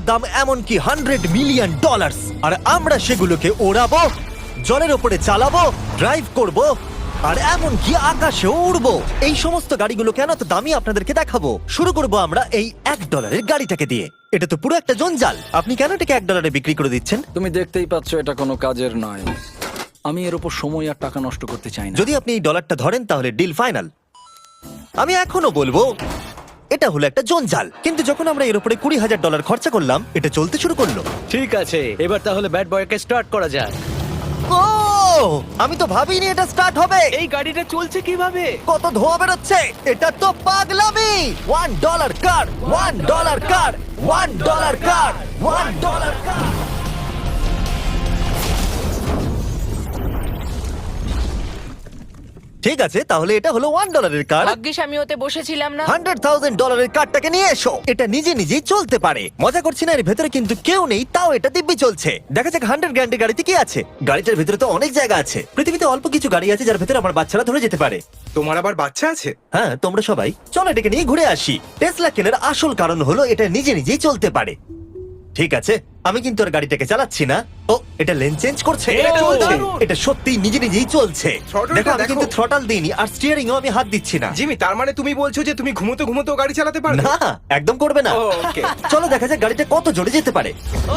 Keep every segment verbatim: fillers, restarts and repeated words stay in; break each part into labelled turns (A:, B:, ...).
A: দাম এমনকি hundred million dollar, আর আমরা সেগুলোকে ওড়াবো, জলের ওপরে চালাবো, ড্রাইভ করব, আর এমনকি আকাশেও উড়বো। এই সমস্ত গাড়িগুলো কেন তো দামি আপনাদেরকে দেখাবো। শুরু করব আমরা এই এক ডলারের গাড়িটাকে দিয়ে। এটা তো পুরো একটা জঞ্জাল। আপনি কেন এটাকে এক ডলারে বিক্রি করে দিচ্ছেন?
B: তুমি দেখতেই পাচ্ছ এটা কোনো কাজের নয়। আমি এর উপর সময় আর টাকা নষ্ট করতে চাই না।
A: যদি আপনি এই ডলারটা ধরেন তাহলে ডিল ফাইনাল। আমি এখনো বলবো এটা হলো একটা জঞ্জাল, কিন্তু যখন আমরা এর উপরে কুড়ি হাজার ডলার খরচা করলাম এটা চলতে শুরু করলো।
C: ঠিক আছে, এবার তাহলে ব্যাড বয়কে স্টার্ট করা যাক।
A: ও আমি তো ভাবিনি এটা স্টার্ট হবে।
C: এই গাড়িটা চলছে কিভাবে?
A: কত ধোঁয়া বেরোচ্ছে, এটা তো পাগলামি। One dollar car, one dollar car, one dollar car, one dollar car. ঠিক আছে, তাহলে এটা হলো ওয়ান ডলারের কার।
D: ভাগ্যিস আমি ওতে বসেছিলাম না।
A: হান্ড্রেড থাউজেন্ড ডলারের কারটাকে নিয়ে এসো। এটা নিজে নিজেই চলতে পারে। মজা করছি না, এর ভেতরে কিন্তু কেউ নেই, তাও এটা দিব্যি চলছে। দেখা যাক হান্ড্রেড গ্র্যান্ডের গাড়িতে কি আছে। গাড়িটার ভেতরে তো অনেক জায়গা আছে। পৃথিবীতে অল্প কিছু গাড়ি আছে যার ভেতরে আমার বাচ্চারা ধরে যেতে পারে।
E: তোমার আবার বাচ্চা আছে?
A: হ্যাঁ, তোমরা সবাই চলো এটাকে নিয়ে ঘুরে আসি। টেসলা কেনার আসল কারণ হলো এটা নিজে নিজেই চলতে পারে। ঠিক আছে, আমি কিন্তু আর গাড়িটাকে চালাচ্ছি না। ও, এটা লেন চেঞ্জ করছে।
E: এটা চলছে।
A: এটা সত্যি নিজে নিজেই চলছে।
E: Throttle-টা
A: দেখো, আমি
E: দেখো।
A: কিন্তু থ্রটাল দিইনি আর স্টিয়ারিংও আমি হাত দিচ্ছি না।
E: জিমি, তার মানে তুমি বলছো যে তুমি ঘুমোতে ঘুমোতে গাড়ি চালাতে পারবে?
A: না, একদম করবে না।
E: ও, okay.
A: চলো দেখা যাক গাড়িটা কত জোরে যেতে পারে।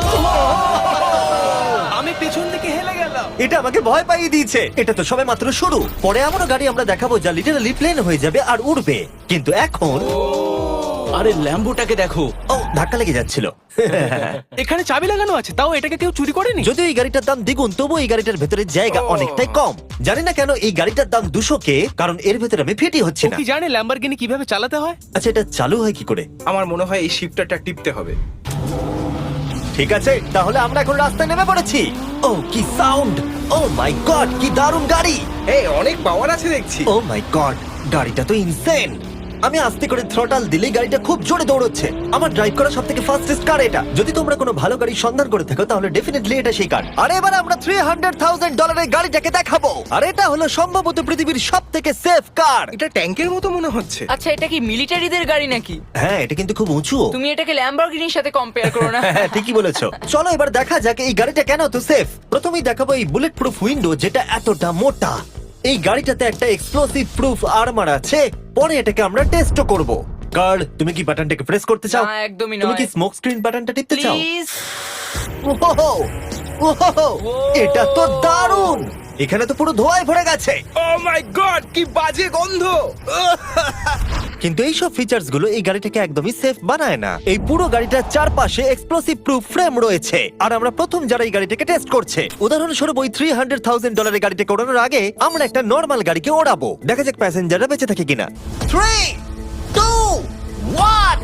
C: আমি পেছন থেকে হেলে গেলাম।
A: এটা আমাকে ভয় পাইয়ে দিয়েছে। এটা তো সবে মাত্র শুরু। পরে এমনও গাড়ি আমরা দেখাবো যা লিটারালি প্লেন হয়ে যাবে আর উড়বে। কিন্তু এখন
C: আরে ল্যাম্বোটাকে দেখো,
A: ও, ধাক্কা লেগে যাচ্ছিল।
C: এখানে চাবি লাগানো আছে, তাও এটাকে কেউ চুরি করেনি।
A: যদিও এই গাড়িটার দাম দ্বিগুণ, তবু এই গাড়িটার ভেতরে জায়গা
E: ও।
A: অনেকটাই কম। জানি না কেন এই গাড়িটার দাম দুশো কে, কারণ এর ভেতরে আমি ফিটি হচ্ছে
C: ও
A: না।
C: কি জানে ল্যাম্বরগিনি কিভাবে চালাতে হয়?
A: আচ্ছা, এটা চালু হয় কি করে?
E: আমার মনে হয় এই শিফটারটা টিপতে হবে।
A: ঠিক আছে, তাহলে আমরা এখন রাস্তায় নেমে পড়েছি। ও কি সাউন্ড! ও মাই গড, কি দারুণ গাড়ি!
E: এই অনেক পাওয়ার আছে দেখছি।
A: ও মাই গড, গাড়িটা তো ইনসেন। আমি আস্তে করে থ্রটাল দিলেই গাড়িটা খুব জোরে দৌড়চ্ছে। আমার ড্রাইভ করা সবথেকে ফাস্টেস্ট কার এটা। যদি তোমরা কোনো ভালো গাড়ির সন্ধান করে থাকো তাহলে ডেফিনেটলি এটা সেই কার। আর এবার আমরা থ্রি হান্ড্রেড থাউজেন্ড ডলারের গাড়িটাকে দেখাবো। আর এটা হলো সম্ভবত পৃথিবীর সবথেকে সেফ কার।
E: এটা ট্যাঙ্কের মতো মনে হচ্ছে।
D: আচ্ছা, এটা কি মিলিটারিদের গাড়ি নাকি?
A: হ্যাঁ, এটা কিন্তু খুব উঁচু।
D: তুমি এটাকে ল্যাম্বরগিনির সাথে কম্পেয়ার করো না।
A: হ্যাঁ, ঠিকই বলেছো। চলো এবার দেখা যাক এই গাড়িটা কেন এত সেফ। প্রথমেই দেখাবো এই বুলেট প্রুফ উইন্ডো, যেটা এতটা মোটা। এই গাড়িটাতে একটা এক্সপ্লোসিভ প্রুফ আর্মার আছে। পরে এটাকে আমরা টেস্টও করব। কার্ল, তুমি কি বাটনটাকে প্রেস করতে চাও?
D: না, একদমই
A: তুমি
D: নয়।
A: কি স্মোক স্ক্রিন বাটনটা টিপতে চাও?
D: প্লিজ।
A: ওহো, ওহো, এটা তো দারুণ। এখানে তো পুরো ধোঁয়ায় ভরে গেছে।
E: ও মাই গড, কি বাজে গন্ধ!
A: কিন্তু এইসব ফিচার্স গুলো এই গাড়িটাকে একদমই সেফ বানায় না। এই পুরো গাড়িটার চারপাশে এক্সপ্লোসিভ প্রুফ ফ্রেম রয়েছে। আর আমরা প্রথম যারা এই গাড়িটাকে টেস্ট করছে, উদাহরণস্বরূপ ওই থ্রি হান্ড্রেড থাউজেন্ড ডলারের গাড়িটাকে ওড়ানোর আগে আমরা একটা নর্মাল গাড়িকে ওড়াবো। দেখা যাক প্যাসেঞ্জাররা বেঁচে থাকে কিনা। Three, two, one.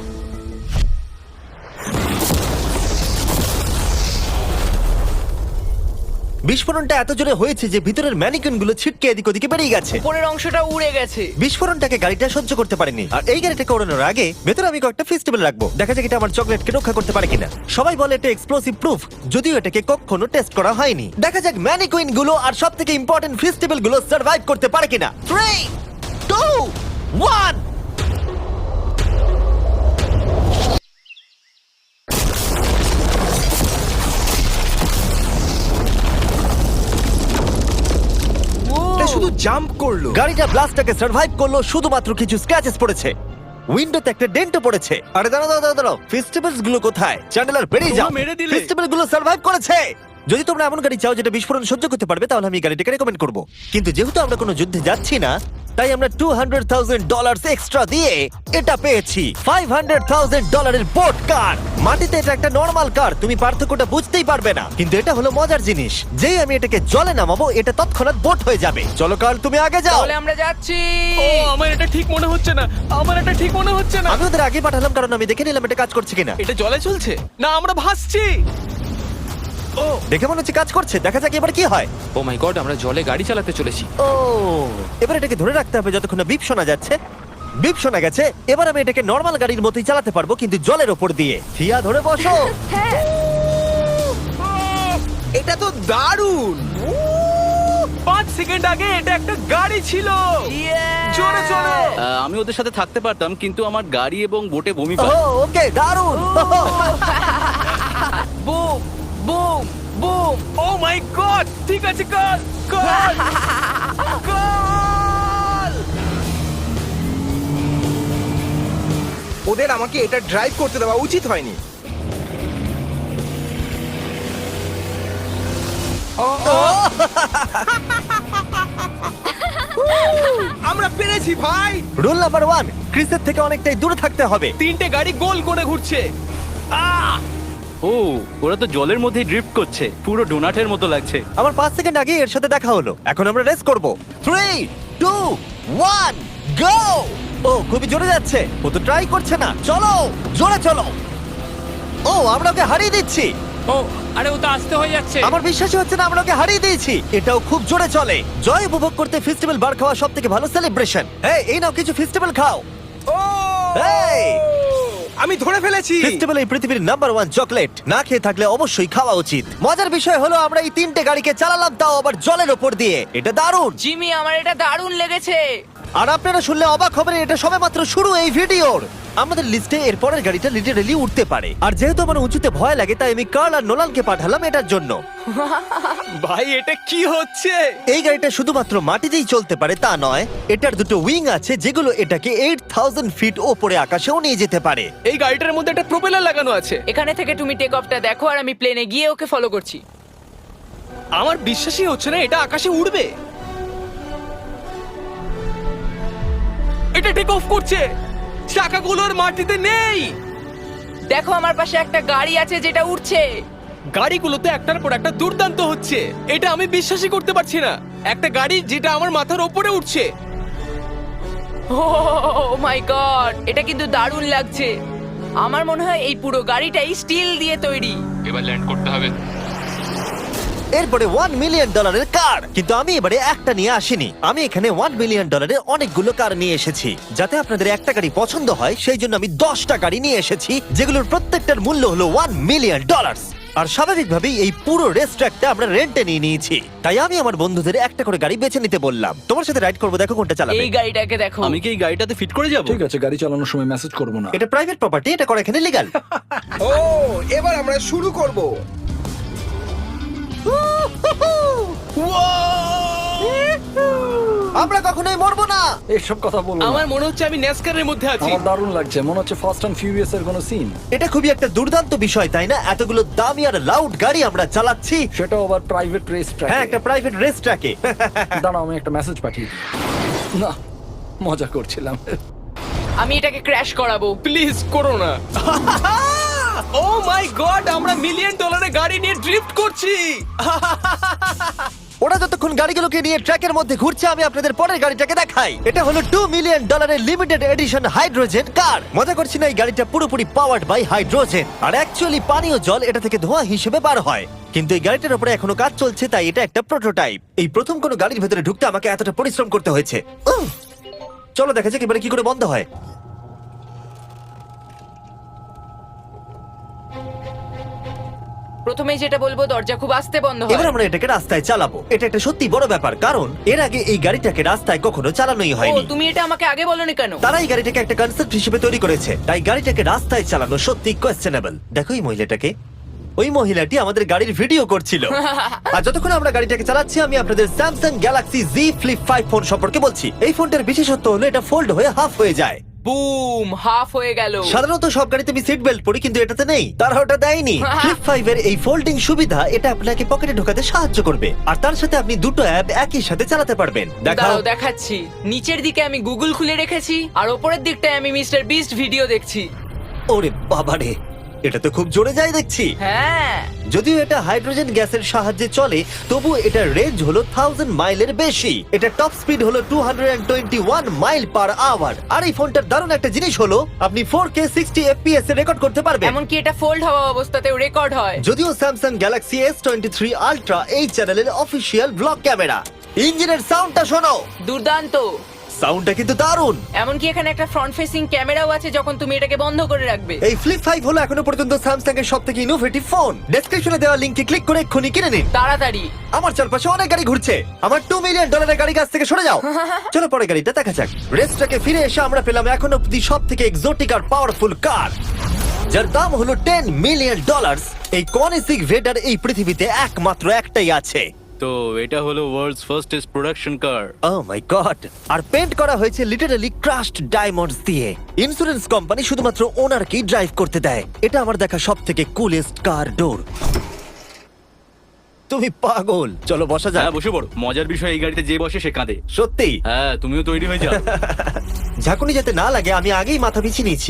A: বিস্ফোরণটা এত জোরে হয়েছে যে ভিতরের ম্যানিকুইন গুলো ছিটকে এদিক ওদিকে বেরিয়ে গেছে।
D: উপরের অংশটা উড়ে গেছে।
A: বিস্ফোরণটাকে গাড়িটা সহ্য করতে পারেনি। আর এই গাড়িটাকে ওড়ানোর আগে ভেতরে আমি কয়েকটা ফেস্টিভ্যাল রাখবো, দেখা যাক এটা আমার চকলেটকে রক্ষা করতে পারে কিনা। সবাই বলে এটা এক্সপ্লোসিভ প্রুফ, যদিও এটাকে কখনো টেস্ট করা হয়নি। দেখা যাক ম্যানিকুইন গুলো আর সব থেকে ইম্পর্টেন্ট ফেস্টিভ্যাল গুলো সার্ভাইভ করতে পারে কিনা। Three, two, one.
E: এটা শুধু জাম্প করলো।
A: গাড়িটা ব্লাস্টটাকে সার্ভাইভ করলো, শুধুমাত্র কিছু স্ক্র্যাচেস পড়েছে। উইন্ডোতে একটা ডেন্টও পড়েছে। আরে দাঁড়াও দাঁড়াও দাঁড়াও, দাঁড়াও, ফেস্টিভ্যালস গুলো কোথায়? চ্যান্ডেলার বেরিয়ে যাও।
C: তোমরা মেরে দিলে।
A: ফেস্টিভ্যাল গুলো সার্ভাইভ করেছে। যদি তোমরা এমন গাড়ি চাও যেটা বিস্ফোরণ সহ্য করতে পারবে তাহলে আমি এই গাড়িটাকে রেকমেন্ড করব। কিন্তু যেহেতু আমরা কোনো যুদ্ধে যাচ্ছি না, তাই আমরা two hundred thousand dollar extra দিয়ে এটা পেয়েছি ফাইভ হান্ড্রেড থাউজেন্ড ডলারের বোট কার। মাটিতে এটা একটা নর্মাল কার, তুমি পার্থক্যটা বুঝতেই পারবে না। কিন্তু এটা হলো মজার জিনিস, যেই আমি এটাকে জলে নামাবো এটা তৎক্ষণাৎ বোট হয়ে যাবে। চলো কার, তুমি আগে যাও।
D: তাহলে আমরা যাচ্ছি।
C: ও আমার এটা ঠিক মনে হচ্ছে না, আমার এটা ঠিক মনে হচ্ছে না।
A: আমি ওদের আগে পাঠালাম কারণ আমি দেখে নিলাম এটা কাজ করছে কিনা।
C: এটা জলে চলছে না, আমরা ভাসছি। ও
A: দেখে মনে হচ্ছে কাজ করছে, দেখা যাক এবার কি হয়।
F: ও মাই গড, আমরা জলে গাড়ি চালাতে চলেছি।
A: ও, এবার এটাকে ধরে রাখতে হবে যতক্ষণ না বিপ শোনা যাচ্ছে। বিপ শোনা গেছে, এবার আমি এটাকে নর্মাল গাড়ির মতোই চালাতে পারবো, কিন্তু জলের ওপর দিয়ে। থিয়া, ধরে বসো।
D: হ্যাঁ।
E: এটা তো দারুণ!
C: পাঁচ সেকেন্ড আগে এটা একটা গাড়ি ছিল। জোরে চলো।
B: আহ, আমি ওদের সাথে থাকতে পারতাম, কিন্তু আমার গাড়ি এবং বোটে বমি
A: ও,
B: পায়।
A: ওকে, দারুণ।
D: Boom boom
C: oh my god ঠিক আছে কর কর কর
E: ওদের আমাকে এটা ড্রাইভ করতে দেওয়া উচিত হয়নি। আমরা পেরেছি ভাই।
A: রুল নাম্বার ওয়ান, ক্রিসের থেকে অনেকটাই দূরে থাকতে হবে।
C: তিনটে গাড়ি গোল করে ঘুরছে আহ
G: ও ওরা তো জলের মধ্যে ড্রিফট করছে, পুরো ডোনাটের মতো লাগছে।
A: আমার পাঁচ সেকেন্ড আগে এর সাথে দেখা হলো। এখন আমরা রেস করব। Three two one go. ও খুবই জোরে যাচ্ছে, ও তো ট্রাই করছে না। চলো জোরে চলো। ও আমরা ওকে হারিয়ে দিচ্ছি।
F: ও আরে ও তো আসতে হয়ে যাচ্ছে।
A: আমার বিশ্বাসই হচ্ছে না আমরা ওকে হারিয়ে দিয়েছি। এটাও খুব জোরে চলে। জয় উপভোগ করতে ফেস্টিভ্যাল বার খাওয়া সব থেকে ভালো সেলিব্রেশন। এই এই নাও কিছু ফেস্টিভ্যাল খাও।
E: ও
A: এই
E: আমি ধরে ফেলেছি।
A: ফেস্টিভ্যাল এই পৃথিবীর নাম্বার ওয়ান চকলেট। না খেয়ে থাকলে অবশ্যই খাওয়া উচিত। মজার বিষয় হলো আমরা এই তিনটে গাড়িকে চালালাম, তাও আবার জলের ওপর দিয়ে। এটা দারুণ।
D: জিমি আমার এটা দারুণ লেগেছে।
A: আর আপনারা শুনলে অবাক হবেন, এটা সবেমাত্র শুরু এই ভিডিওর। আমাদের লিস্টে এর পরের গাড়িটা লিটারেলি উঠতে পারে। আর যেহেতু আমার উঁচুতে ভয় লাগে, তাই আমি কার্ল আর নোলানকে পাঠালাম এটার জন্য।
C: ভাই এটা কি হচ্ছে
A: এই গাড়িটা শুধুমাত্র মাটিতেই চলতে পারে তা নয়, এটার দুটো উইং আছে যেগুলো এটাকে আট হাজার ফিট ওপরে আকাশেও নিয়ে যেতে পারে।
C: এই গাড়িটার মধ্যে একটা প্রোপেলার লাগানো আছে
D: এখানে থেকে তুমি টেক অফটা দেখো আর আমি প্লেনে গিয়ে ওকে ফলো করছি।
C: আমার বিশ্বাসই হচ্ছে না এটা আকাশে উড়বে। এটা টেক অফ করছে, চাকাগুলোর মাটিতে নেই।
D: দেখো আমার পাশে একটা গাড়ি আছে যেটা উঠছে।
C: গাড়িগুলোতে একটার পর একটা দুর্দান্ত হচ্ছে, এটা আমি বিশ্বাসই করতে পারছি না। একটা গাড়ি যেটা আমার মাথার ওপরে উঠছে।
D: ও মাই গড, এটা কিন্তু দারুণ লাগছে। আমার মনে হয় এই পুরো গাড়িটাই স্টিল দিয়ে তৈরি।
F: এবার ল্যান্ড করতে হবে।
A: এরপরে ওয়ান মিলিয়ন ডলারের কার। কিন্তু আমি এবারে একটা নিয়ে আসিনি, আমি এখানে ওয়ান মিলিয়ন ডলারের অনেকগুলো কার নিয়ে এসেছি। যাতে আপনাদের একটা গাড়ি পছন্দ হয় সেই জন্য আমি দশটা গাড়ি নিয়ে এসেছি, যেগুলোর প্রত্যেকটার মূল্য হলো ওয়ান মিলিয়ন ডলার। আর স্বাভাবিকভাবেই এই পুরো রেস ট্র্যাকটা আমরা রেন্টে নিয়ে নিয়েছি। তাই আমি আমার বন্ধুদের একটা করে গাড়ি বেছে নিতে বললাম। তোমার সাথে রাইড করবো, দেখো কোনটা চালাবে।
D: এই গাড়িটাকে দেখো।
G: আমি কি এই গাড়িটাতে ফিট করে যাব?
B: ঠিক আছে, গাড়ি চালানোর সময় মেসেজ করবো না।
A: এটা প্রাইভেট প্রপার্টি, এটা করা এখানে লিগ্যাল।
E: ও এবার আমরা শুরু করব।
A: আমরা কখনোই মরবো না।
B: এসব কথা বলবো না।
C: আমার মনে হচ্ছে আমি ন্যাসকারের মধ্যে আছি।
B: আমার দারুণ লাগছে, মনে হচ্ছে ফার্স্ট অ্যান্ড ফিউরিয়াস এর কোনো সিন।
A: এটা খুবই একটা দুর্দান্ত বিষয়, তাই না? এতগুলো দামি আর লাউড গাড়ি আমরা চালাচ্ছি।
B: সেটাও আবার প্রাইভেট রেস ট্র্যাক।
A: হ্যাঁ, একটা প্রাইভেট রেস ট্র্যাকে।
B: দাঁড়াও, আমি একটা মেসেজ পাঠিয়ে দিই। না, মজা করছিলাম।
D: আমি এটাকে ক্র্যাশ করাবো।
C: প্লিজ করো না। ও মাই গড, আমরা মিলিয়ন ডলারের গাড়ি নিয়ে ড্রিফট করছি।
A: ওরা যতক্ষণ গাড়িগুলোকে নিয়ে ট্র্যাকের মধ্যে ঘুরছে, আমি আপনাদের পরের গাড়িটাকে দেখাই। এটা হলো টু মিলিয়ন ডলারের লিমিটেড এডিশন হাইড্রোজেন কার। মজা করছি না, এই গাড়িটা পুরোপুরি পাওয়ার্ড বাই হাইড্রোজেন। আর অ্যাকচুয়ালি পানীয় জল এটা থেকে ধোঁয়া হিসেবে বার হয়। কিন্তু এই গাড়িটার উপরে এখনো কাজ চলছে, তাই এটা একটা প্রোটোটাইপ। এই প্রথম কোনো গাড়ির ভেতরে ঢুকতে আমাকে এতটা পরিশ্রম করতে হয়েছে। উহ! চলো দেখা যাক এবারে কি করে বন্ধ হয়।
D: প্রথমেই যেটা বলবো, দরজা খুব আস্তে বন্ধ
A: এবার
D: হয়।
A: আমরা এটাকে রাস্তায় চালাবো। এটা একটা সত্যি বড় ব্যাপার, কারণ এর আগে এই গাড়িটাকে রাস্তায় কখনো চালানোই
D: ও
A: হয়নি।
D: তুমি এটা আমাকে আগে বলনি কেন?
A: তারা এই গাড়িটাকে একটা কনসেপ্ট হিসেবে তৈরি করেছে, তাই গাড়িটাকে রাস্তায় চালানো সত্যি কোয়েশ্চেনেবল। দেখো এই মহিলাটাকে, ওই মহিলাটি আমাদের গাড়ির ভিডিও করছিল। আর যতক্ষণ আমরা গাড়িটাকে চালাচ্ছি, আমি আপনাদের Samsung Galaxy Z Flip five phone সম্পর্কে বলছি। এই ফোনটার বিশেষত্ব হলো এটা ফোল্ড হয়ে হাফ হয়ে যায়।
D: বুম, হাফ হয়ে গেল।
A: সাধারণত সব গাড়িতে আমি সিট বেল্ট পরি, কিন্তু এটাতে নেই। তারা ওটা দেয়নি। ফ্লিপ ফাইভ এর এই ফোল্ডিং সুবিধা, এটা আপনাকে পকেটে ঢোকাতে সাহায্য করবে। আর তার সাথে আপনি দুটো অ্যাপ একই সাথে চালাতে পারবেন। দেখাও।
D: দাঁড়াও দেখাচ্ছি। নিচের দিকে আমি গুগল খুলে রেখেছি, আর ওপরের দিকটায় আমি মিস্টার বিস্ট ভিডিও দেখছি।
A: ওরে বাবারে, এটা তো খুব জোরে যায় দেখছি।
D: হ্যাঁ,
A: যদিও এটা হাইড্রোজেন গ্যাসের সাহায্যে চলে, তবু এটার রেঞ্জ হলো থাউজেন্ড মাইলের বেশি। এটা টপ স্পিড হলো two twenty one mile per hour. আর এই ফোনটার দারুণ একটা জিনিস হলো, আপনি ফোর কে সিক্সটি এফপিএস এ রেকর্ড করতে পারবেন।
D: এমনকি এটা ফোল্ড হওয়া অবস্থাতেও রেকর্ড হয়।
A: যদিও Samsung Galaxy S twenty three Ultra এই চ্যানেলের অফিসিয়াল ব্লগ ক্যামেরা। ইঞ্জিনের সাউন্ডটা শোনো,
D: দুর্দান্ত।
A: সাউন্ডটা কিন্তু দারুণ।
D: এমনকি এখানে একটা ফ্রন্ট ফেসিং ক্যামেরাও আছে যখন তুমি এটাকে বন্ধ করে রাখবে।
A: এই ফ্লিপ ফাইভ হলো এখনো পর্যন্ত স্যামসাং এর সবথেকে ইনোভেটিভ ফোন। ডেসক্রিপশনে দেওয়া লিংকে ক্লিক করে এক্ষুনি কিনে নিন।
D: তাড়াতাড়ি।
A: আমার চারপাশে অনেক গাড়ি ঘুরছে। আমার টু মিলিয়ন ডলারের গাড়ি কাছ থেকে সরে যাও। চলো পরে গাড়িটা দেখা যাক। রেসটাকে ফিরে এসে আমরা পেলাম এখন অব্দি সব থেকে এক্সোটিক আর পাওয়ারফুল কার। যার দাম হলো টেন মিলিয়ন ডলার। এই কনিসিক ভেডার এই পৃথিবীতে একমাত্র একটাই আছে।
G: তো এটা হলো world's fastest production car.
A: Oh my god! আর পেন্ট করা হয়েছে লিটারালি ক্রাশড ডায়মন্ডস দিয়ে। ইন্স্যুরেন্স কোম্পানি শুধুমাত্র ওনারকেই ড্রাইভ করতে দেয়। এটা আমার দেখা সবথেকে কুলেস্ট কার ডোর। তুমি পাগল। চলো বসা যাক।
G: হ্যাঁ বসে পড়ো। মজার বিষয় এই গাড়িতে যে বসে সে কাঁদে।
A: সত্যি
G: হ্যাঁ তুমিও তৈরি হয়ে যাও।
A: ঝাঁকুনি যাতে না লাগে আমি আগেই মাথা পিছিয়ে নিয়েছি।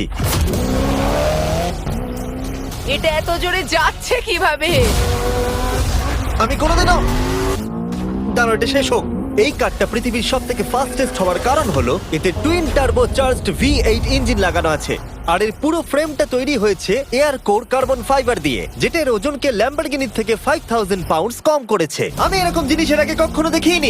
D: এটা এত জোরে যাচ্ছে কিভাবে?
A: আমি কোনোদিনও দাঁড়াও, এটা শেষ হোক। এই কারটা পৃথিবীর সব থেকে ফাস্টেস্ট হওয়ার কারণ হলো এতে twin turbo charged V eight engine লাগানো আছে। আর এর পুরো ফ্রেমটা তৈরি হয়েছে এয়ার কোর কার্বন ফাইবার দিয়ে, যেটা এর ওজনকে ল্যাম্বরগিনির থেকে ফাইভ থাউজেন্ড পাউন্ডস কম করেছে। আমি এরকম জিনিসের আগে কখনো দেখিনি।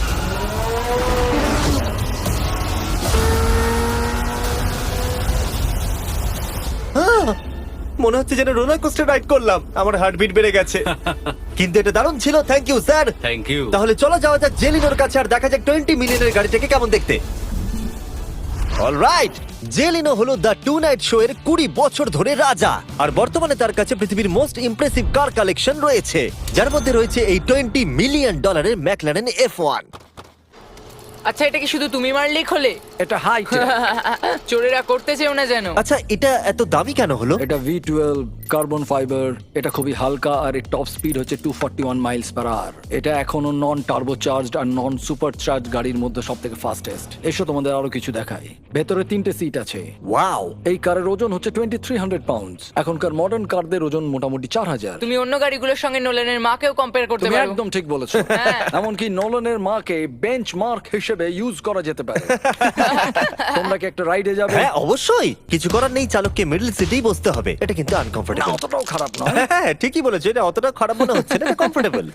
A: আহ! মনে হচ্ছে যেন রোলার কোস্টার রাইড করলাম। আমার হার্টবিট বেড়ে গেছে। কিন্তু এটা দারুণ ছিল। Thank you sir.
G: Thank you.
A: তাহলে চলো যাওয়া যাক জেলিনোর কাছে আর দেখা যাক টোয়েন্টি মিলিয়নের গাড়িটাকে কেমন দেখতে। অলরাইট, জেলিনো হলো দ্য টু নাইট শো এর কুড়ি বছর ধরে রাজা। আর বর্তমানে তার কাছে পৃথিবীর মোস্ট ইমপ্রেসিভ কার কালেকশন রয়েছে, যার মধ্যে রয়েছে এই টোয়েন্টি মিলিয়ন ডলারের ম্যাকলারেন এফ ওয়ান।
D: আচ্ছা, এটা কি শুধু তুমি মারলেই খোলে?
B: এটা হাই
D: চোরেরা করতে চেও না যেন।
A: আচ্ছা, এটা এত দামি কেন হলো?
B: এটা ভি টুয়েলভ কার্বন ফাইবার। এটা খুবই হালকা আর এর টপ স্পিড হচ্ছে two forty one miles per hour. এটা এখনো নন টার্বো চার্জড আর নন সুপার চার্জ গাড়ির মধ্যে সব থেকে ফাস্টেস্ট। এসো তোমাদের আরো কিছু দেখাই। ভেতরে তিনটে সিট আছে।
A: ওয়াও!
B: এই কারের ওজন হচ্ছে টোয়েন্টি থ্রি হান্ড্রেড পাউন্ডস। এখনকার মডার্ন কারদের ওজন মোটামুটি চার হাজার।
D: তুমি অন্য গাড়িগুলোর সঙ্গে নোলেনের মাকেও কম্পেয়ার করতে
B: তুমি
D: পারো।
B: একদম ঠিক বলেছো।
D: হ্যাঁ।
B: এমনকি নোলানের মাকে বেঞ্চ মার্ক হিসেবে ইউজ করা যেতে পারে। তোমরা কি একটা রাইডে যাবে?
A: হ্যাঁ অবশ্যই। কিছু করার নেই, চালককে মিডল সিটেই বসতে হবে। এটা কিন্তু
B: না,
A: আনকমফোর্টেবল।
B: অতটাও খারাপ নয়।
A: হ্যাঁ ঠিকই বলেছো, এটা অতটা খারাপ মনে হচ্ছে না, এটা কমফোর্টেবল।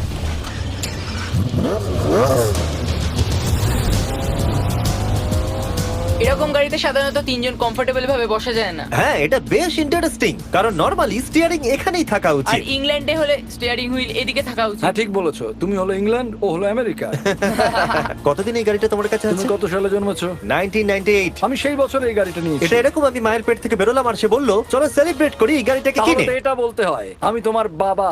D: এরকম গাড়িতে সাধারণত তিনজন কমফোর্টেবল ভাবে বসা যায় না।
A: হ্যাঁ এটা বেশ ইন্টারেস্টিং, কারণ নরমালি স্টিয়ারিং এখানেই থাকা
D: আর
A: উচিত।
D: ইংল্যান্ডে হলে স্টিয়ারিং হুইল এদিকে থাকা উচিত।
B: হ্যাঁ ঠিক বলেছো। তুমি হলো ইংল্যান্ড, ও হলো আমেরিকা।
A: কতদিন এই গাড়িটা তোমার কাছে
B: তুমি
A: আছে?
B: কত সালে জন্মেছো?
A: Nineteen ninety eight.
B: আমি সেই বছর এই গাড়িটা নিয়েছি।
A: এটা এরকম, আমি মায়ের পেট থেকে বেরোলাম আর সে বললো চলো সেলিব্রেট করি এই গাড়িটাকে
B: তাহলে
A: কিনে।
B: তো এটা বলতে হয় আমি তোমার বাবা।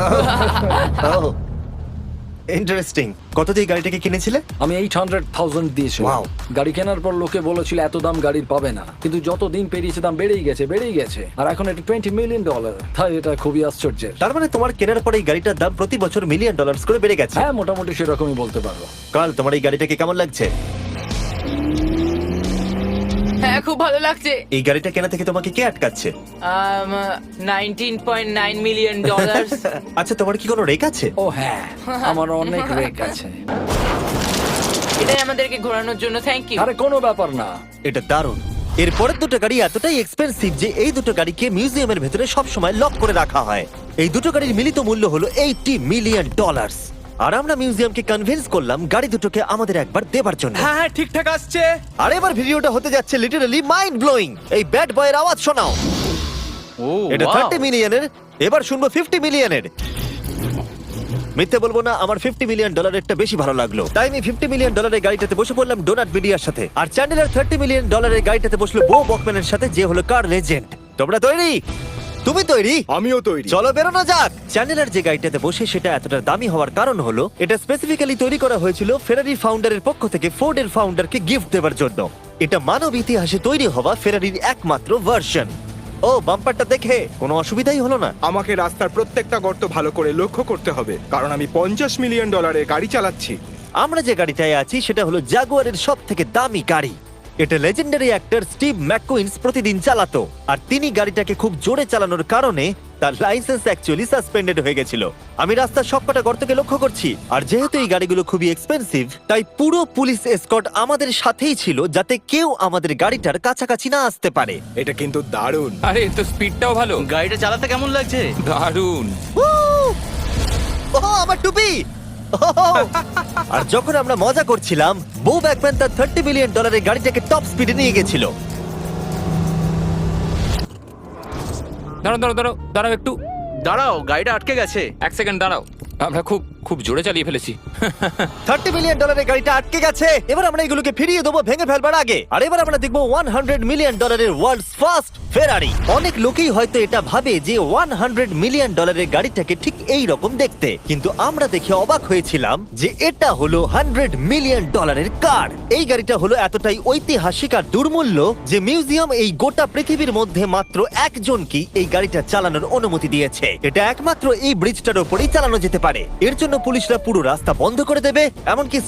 A: ইন্টারেস্টিং। কত দিয়ে এই গাড়িটাকে কিনেছিলে?
B: আমি এইট হান্ড্রেড থাউজেন্ড দিয়েছি।
A: Wow.
B: গাড়ি কেনার পর লোকে বলেছিল এত দাম গাড়ির পাবে না, কিন্তু যত দিন পেরিয়েছে দাম বেড়েই গেছে বেড়েই গেছে আর এখন এটা টোয়েন্টি মিলিয়ন ডলার। তাই এটা খুবই আশ্চর্যের।
A: তার মানে তোমার কেনার পরে এই গাড়িটার দাম প্রতি বছর মিলিয়ন ডলার্স করে বেড়ে গেছে।
B: হ্যাঁ মোটামুটি সেরকমই বলতে পারো।
A: কাল তোমার এই গাড়িটাকে কেমন লাগছে?
D: হ্যাঁ খুব ভালো লাগছে।
A: এই গাড়িটা কেনা থেকে তোমাকে কে আটকাচ্ছে?
D: Nineteen point nine million dollar.
A: আচ্ছা তোমার কি কোনো রেক আছে?
B: ও হ্যাঁ, আমার অনেক রেক আছে।
D: এটাই আমাদেরকে ঘোরানোর জন্য থ্যাংক ইউ।
B: আরে কোনো ব্যাপার না।
A: এটা দারুণ। এর পরের দুটো গাড়ি এতটাই এক্সপেন্সিভ যে এই দুটো গাড়িকে মিউজিয়ামের ভেতরে সব সময় লক করে রাখা হয়। এই দুটো গাড়ির মিলিত মূল্য হলো এইটি মিলিয়ন ডলার। আর আমরা মিউজিয়ামকে কনভিন্স করলাম গাড়ি দুটোকে আমাদের একবার দেবার জন্য।
C: হ্যাঁ হ্যাঁ ঠিকঠাক আসছে।
A: আর এবার ভিডিওটা হতে যাচ্ছে লিটারালি মাইন্ড ব্লোয়িং। এই ব্যাড বয়ের আওয়াজ শোনাও।
G: ও
A: এটা
G: wow!
A: থার্টি মিলিয়নের, এবার শুনবো ফিফটি মিলিয়নের। মিথ্যে বলবো না, আমার ফিফটি মিলিয়ন ডলারেরটা বেশি ভালো লাগলো, তাই আমি ফিফটি মিলিয়ন ডলারের গাড়িটাতে বসে পড়লাম ডোনাট মিডিয়ার সাথে। আর চ্যান্ডেলার থার্টি মিলিয়ন ডলারের গাড়িটাতে বসলো বো বকম্যানের সাথে, যে হলো কার লেজেন্ড। তোমরা তৈরি? তুমি তৈরি?
E: আমিও তৈরি।
A: চলো বেরোনো যাক। চ্যান্ডেলার যে গাড়িটাতে বসে সেটা এতটা দামি হওয়ার কারণ হলো এটা স্পেসিফিক্যালি তৈরি করা হয়েছিল ফেরারি ফাউন্ডারের পক্ষ থেকে ফোর্ডের ফাউন্ডারকে গিফট দেওয়ার জন্য। এটা মানব ইতিহাসে তৈরি হওয়া ফেরারির একমাত্র ভার্সন। ও বাম্পারটা দেখে কোনো অসুবিধাই হলো না।
E: আমাকে রাস্তার প্রত্যেকটা গর্ত ভালো করে লক্ষ্য করতে হবে, কারণ আমি পঞ্চাশ মিলিয়ন ডলারের গাড়ি চালাচ্ছি।
A: আমরা যে গাড়িটায় আছি সেটা হলো জাগুয়ারের সব থেকে দামি গাড়ি। এটা লেজেন্ডারি অ্যাক্টর স্টিভ ম্যাককুইন্স প্রতিদিন চালাতো, আর তিনি গাড়িটাকে খুব জোরে চালানোর কারণে তার লাইসেন্স অ্যাকচুয়ালি সাসপেন্ডেড হয়ে গেছিল। আমি রাস্তার সবকটা গর্তকে লক্ষ্য করছি, আর যেহেতু এই গাড়িগুলো খুবই এক্সপেন্সিভ তাই পুরো পুলিশ এসকর্ট আমাদের সাথেই ছিল, যাতে কেউ আমাদের গাড়িটার কাছাকাছি না আসতে পারে।
E: এটা কিন্তু দারুণ।
F: আরে তো স্পিডটাও ভালো।
G: গাড়িটা চালাতে কেমন লাগছে?
F: দারুণ।
A: উহ! ওহ, আমার টুপি! ওহ! আর যখন আমরা মজা করছিলাম, বো ব্যাকম্যান তার থার্টি মিলিয়ন ডলারের গাড়িটাকে টপ স্পিডে নিয়ে গেছিল।
F: দাঁড়াও দাঁড়াও দাঁড়াও দাঁড়াও একটু
G: দাঁড়াও, গাড়িটা আটকে গেছে।
F: এক সেকেন্ড দাঁড়াও। আমরা খুব খুব জোরে চালিয়ে ফেলেছি।
A: থার্টি মিলিয়ন ডলারের গাড়িটা আটকে গেছে। এবার আমরা এগুলোকে ফিরিয়ে দেবো ভেঙে ফেলবার আগে। আর এবার আমরা দেখবো ওয়ান হান্ড্রেড মিলিয়ন ডলারের ওয়ার্ল্ডস ফার্স্ট ফেরারি। অনেক লোকেই হয়তো এটা ভাবে যে ওয়ান হান্ড্রেড মিলিয়ন ডলারের গাড়িটাকে ঠিক এই রকম দেখতে, কিন্তু আমরা দেখে অবাক হয়েছিলাম যে এটা হলো হান্ড্রেড মিলিয়ন ডলারের কার। এই গাড়িটা হলো এতটাই ঐতিহাসিক আর দুর্মূল্য যে মিউজিয়াম এই গোটা পৃথিবীর মধ্যে মাত্র একজনকে এই গাড়িটা চালানোর অনুমতি দিয়েছে। এটা একমাত্র এই ব্রিজটার উপরেই চালানো যেতে পারে। এর জন্য পুলিশরা পুরো রাস্তা বন্ধ করে দেবে, এমনকি